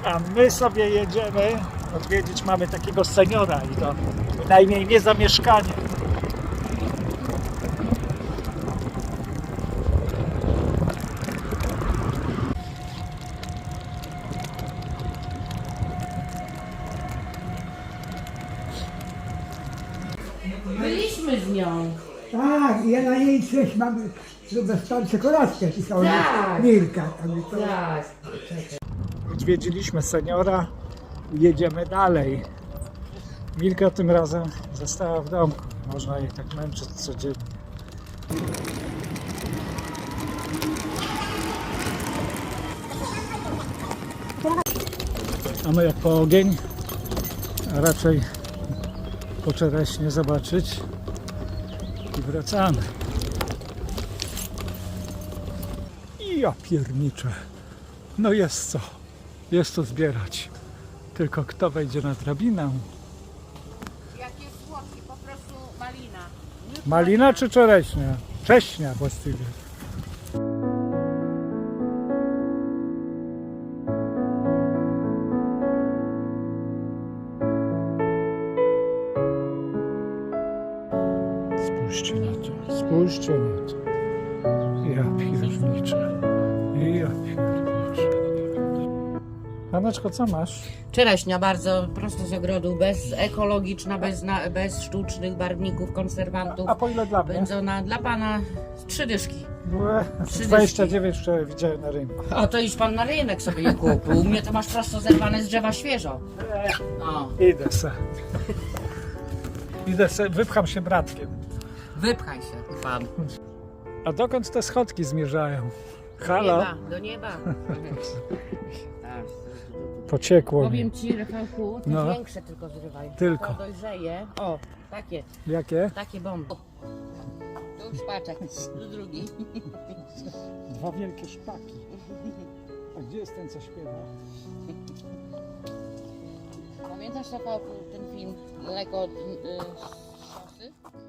A my sobie jedziemy odwiedzić, mamy takiego seniora i to bynajmniej nie za mieszkanie. Byliśmy z nią. Tak, ja na jej coś mam dostać czekoladkę, pisała Tak. Milka. Tak. Odwiedziliśmy seniora i jedziemy dalej. Milka tym razem została w domku. Można jej tak męczyć codziennie. A my jak po ogień, a raczej po czereśnie zobaczyć i wracamy. I ja pierniczę. No jest co. Jest co zbierać. Tylko kto wejdzie na drabinę? Jakie słodkie, po prostu malina. Malina czy czereśnia? Cześnia właściwie. Spójrzcie na to, spójrzcie na to. Ja pierniczę. Ja pierniczę. Haneczko, co masz? Czereśnia bardzo prosto z ogrodu, ekologiczna, bez sztucznych barwników, konserwantów. A po ile dla mnie? Pędzona dla pana 3 dyszki. 29 wczoraj widziałem na rynku. O, to już pan na rynek sobie je kupił. U mnie to masz prosto zerwane z drzewa świeżo. O, Idę se. Idę se, wypcham się bratkiem. wypchaj się pan. A dokąd te schodki zmierzają? Do Halo? nieba, do nieba. Pociekło mi. Powiem ci, Rafałku, te No. większe tylko zrywaj. Tylko. To dojrzeje. O, takie, Jakie? bomby. Tu już paczek, tu drugi. Dwa wielkie szpaki. A gdzie jest ten, co śpiewa? Pamiętasz, Rafałku, ten film Daleko od szosy?